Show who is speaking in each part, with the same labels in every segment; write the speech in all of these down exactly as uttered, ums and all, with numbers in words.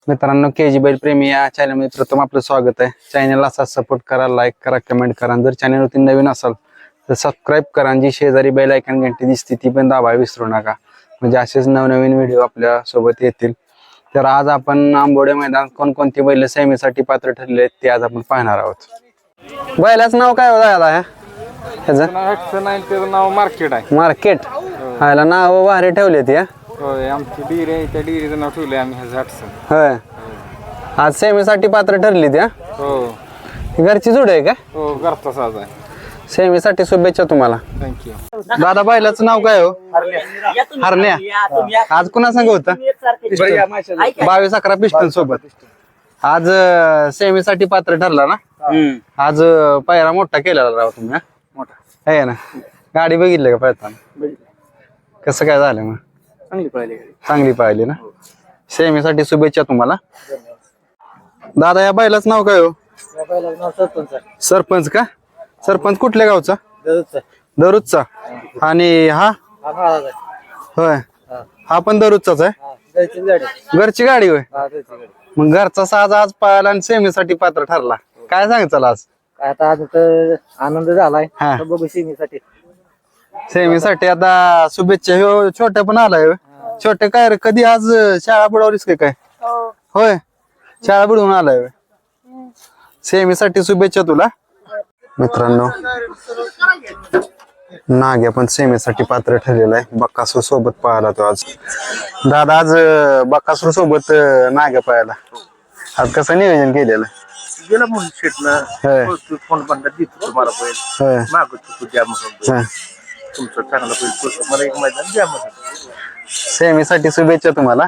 Speaker 1: मित्रांनो, के जी बैल प्रेमी या चॅनल मध्ये प्रथम आपलं स्वागत आहे। चॅनलला असा सपोर्ट करा, लाईक करा, कमेंट करा। जर चॅनलवरती नवीन असाल तर सबस्क्राईब करा आणि जी शेजारी बेल आयकॉन घंटी दिसते ती पण दाबायला विसरू नका, म्हणजे असेच नवनवीन व्हिडिओ आपल्या सोबत येतील। तर आज आपण आंबोडे मैदान कोणकोणती बैल सेमीसाठी पात्र ठरले आहेत ते आज आपण पाहणार आहोत। बैलाचं नाव काय होतं दादा?
Speaker 2: त्याचं नाव मार्केट आहे।
Speaker 1: मार्केट ह्याला नाव भारी ठेवले ती।
Speaker 2: होय, आमची डिरी आहे, त्या डिरीचं नाव ठेवलंय आम्ही ह्याचं हटसन।
Speaker 1: होय, आज सेमीसाठी पात्र ठरली ती।
Speaker 2: हो,
Speaker 1: घरची जोड आहे का?
Speaker 2: हो, घरचा साज आहे।
Speaker 1: सेमीसाठी शुभेच्छा तुम्हाला।
Speaker 2: थँक्यू।
Speaker 1: दादा, बैलाचं नाव काय हो? हरण्या। आज कुणा संग होता? बावीस अकरा पिस्टन सोबत आज सेमीसाठी पात्र ठरला ना? आज पायरा मोठा केलेला राव तुम्ही। मोठा आहे ना? गाडी बघितली का पळताना? कसं काय झालं मग?
Speaker 2: चांगली पळाली
Speaker 1: चांगली पाहिली ना? सेमीसाठी शुभेच्छा तुम्हाला। दादा, या बैलाचं नाव काय हो? सरपंच का? सरपंच कुठल्या गावचा? दरुजचा। आणि हा? होय, हा पण दरुजचाच आहे। घरची गाडी होय? मग घरचा साज आज पाहायला आणि सेमीसाठी पात्र ठरला, काय सांगितलं आज?
Speaker 3: आता आज तर आनंद झालाय।
Speaker 1: हा,
Speaker 3: बघू सेमीसाठी
Speaker 1: सेमीसाठी आता शुभेच्छा। ह्यो छोट्या पण आलाय होय? छोटे काय रे, कधी आज शाळा बुडवलीस का काय? होय, शाळा बुडवून आलाय होय? सेमीसाठी शुभेच्छा तुला। मित्रांनो, नाग्या पण सेमीसाठी पात्र ठरलेला आहे। बक्कासूर सोबत पळाला तो आज। दादा, आज बक्कासूर सोबत नाग्या पळाला, आज कसं नियोजन केलेलं?
Speaker 3: गेला म्हणून शेटनं
Speaker 1: होय
Speaker 3: फोन बंद देतो तुम्हाला बैल
Speaker 1: होय
Speaker 3: मागतो द्या म्हणून
Speaker 1: हा,
Speaker 3: तुमचं चांगलं बैल मला एक मैदान द्या म्हणून।
Speaker 1: सेमीसाठी शुभेच्छा तुम्हाला।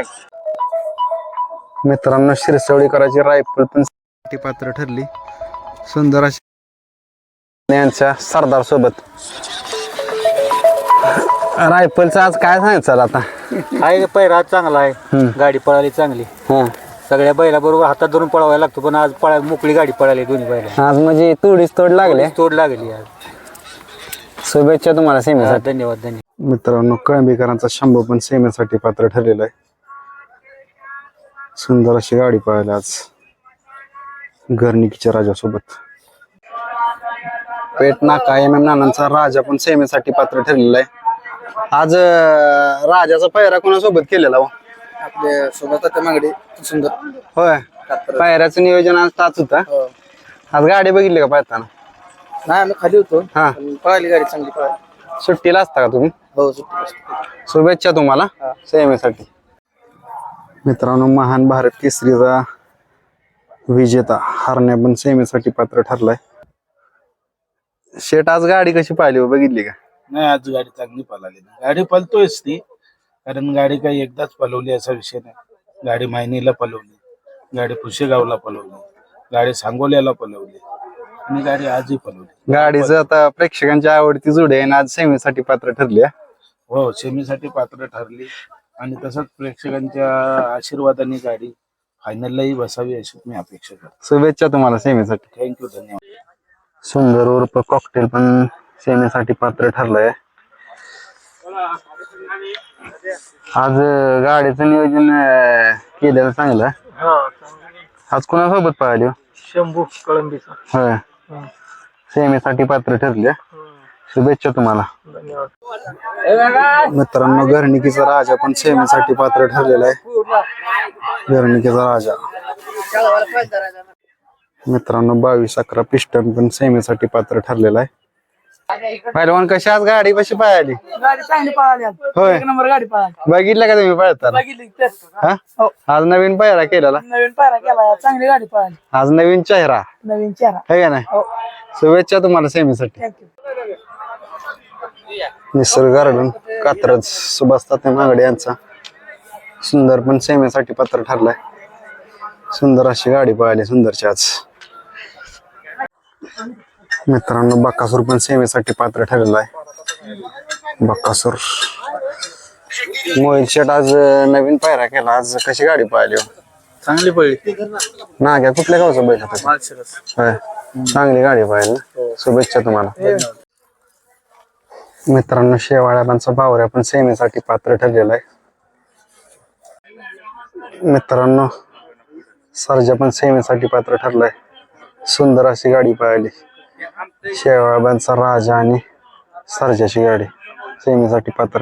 Speaker 3: थँक्यू।
Speaker 1: मित्रांनो, शिरसवडीकरांची रायफल पण पात्र ठरली। सुंदर अशी यांच्या सरदार सोबत रायफलचं आज काय सांगायचं आता?
Speaker 3: आहे पैरा चांगला आहे, गाडी पळाली चांगली।
Speaker 1: हा,
Speaker 3: सगळ्या बैला बरोबर हातात धरून पळवायला लागतो, पण आज पळा मोकळी गाडी पळाली दोन्ही बैला।
Speaker 1: आज म्हणजे तोडीस तोड लागले,
Speaker 3: तोड लागली आज।
Speaker 1: शुभेच्छा तुम्हाला सेमीसाठी।
Speaker 3: धन्यवाद धन्यवाद।
Speaker 1: मित्रांनो, कळंबीकरांचा शंभू पण सेमीसाठी पात्र ठरलेला आहे। सुंदर अशी गाडी पळाली आज गर्निकीच्या राजासोबत। पेट नाका एम एम नानांचा राजा पण सेमीसाठी पात्र ठरलेला आहे। आज अं, राजाचा पायरा कोणासोबत केलेला हो?
Speaker 3: आपल्या सोबत आता मागडे सुंदर।
Speaker 1: होय, पायऱ्याचं नियोजन आज ताच होता। आज गाडी बघितली का पळताना?
Speaker 3: नाही, आम्ही खाली होतो।
Speaker 1: हा,
Speaker 3: पळाली गाडी चांगली पळाली।
Speaker 1: सुट्टीला असता का तुम्ही?
Speaker 3: हो, सुट्टी।
Speaker 1: शुभेच्छा तुम्हाला सेमीसाठी। मित्रांनो, महान भारत केसरीचा विजेता हरण्या पण सेमीसाठी पात्र ठरलाय। शेट, आज गाडी कशी पाहिली हो, बघितली का?
Speaker 4: नाही, आज गाडी चांगली पळाली ना। गाडी पळतोयच ती, कारण गाडी काही एकदाच पळवली असा विषय नाही। गाडी मायनीला पळवली, गाडी पुशेगावला पळवली, गाडी सांगोल्याला पळवली आणि गाडी आजही पळवली।
Speaker 1: गाडीचं आता प्रेक्षकांची आवडती जोडी आहे आणि आज सेमीसाठी पात्र ठरली आहे।
Speaker 4: हो, सेमीसाठी पात्र ठरली आणि तसंच प्रेक्षकांच्या आशीर्वादाने गाडी फायनललाही बसावी अशी मी अपेक्षा करतो।
Speaker 1: शुभेच्छा तुम्हाला सेमीसाठी।
Speaker 4: थँक्यू, धन्यवाद।
Speaker 1: सुंदर उर्फ कॉकटेल पण सेमीसाठी पात्र ठरलंय। आज अं, गाडीचं नियोजन अं, केलेलं चांगलं। आज कोणासोबत पाहिली हो?
Speaker 3: शंभू कळंबीचा।
Speaker 1: होय, सेमीसाठी पात्र ठरले। शुभेच्छा तुम्हाला। मित्रांनो, घरणिकीचा राजा पण सेमीसाठी पात्र ठरलेला आहे। घरणिकीचा राजा मित्रांनो, बावीस अकरा पिस्टन पण सेमीसाठी पात्र ठरलेला आहे। पहिलवान, कशी आज गाडी कशी पाहिली?
Speaker 3: गाडी चांगली पळाली आज।
Speaker 1: होय,
Speaker 3: एक नंबर गाडी पळाली।
Speaker 1: बघितलं का तुम्ही पळताना?
Speaker 3: बघितली तेच।
Speaker 1: हा, आज नवीन पायरा केलेला,
Speaker 3: नवीन पायरा केला, चांगली गाडी पळाली।
Speaker 1: आज नवीन चेहरा
Speaker 3: नवीन चेहरा
Speaker 1: आहे का नाही? शुभेच्छा तुम्हाला सेमीसाठी।
Speaker 3: थँक्यू।
Speaker 1: निसर्ग गार्डन कात्रज सुभाष तात्या मागडे यांचा सुंदर पण सेमीसाठी पात्र ठरलाय। सुंदर अशी गाडी पळाली सुंदरची आज। मित्रांनो, बक्कासूर पण सेमीसाठी पात्र ठरलेला आहे। बक्कासूर मोहित शेट आज नवीन पायरा केला, आज कशी गाडी पळाली हो?
Speaker 3: चांगली पळली।
Speaker 1: नाग्या कुठल्या गावचा बैल होता? होय, चांगली गाडी पळाली ना। शुभेच्छा तुम्हाला। मित्रांनो, शेवाळ्यांचा बावऱ्या पण सेमीसाठी पात्र ठरलेला आहे। मित्रांनो सर्जा पण सेमीसाठी पात्र ठरलाय. सुंदर अशी गाडी पळाली. शेवाळांचा राजा आणि सर्जाची गाडी सेमीसाठी पात्र.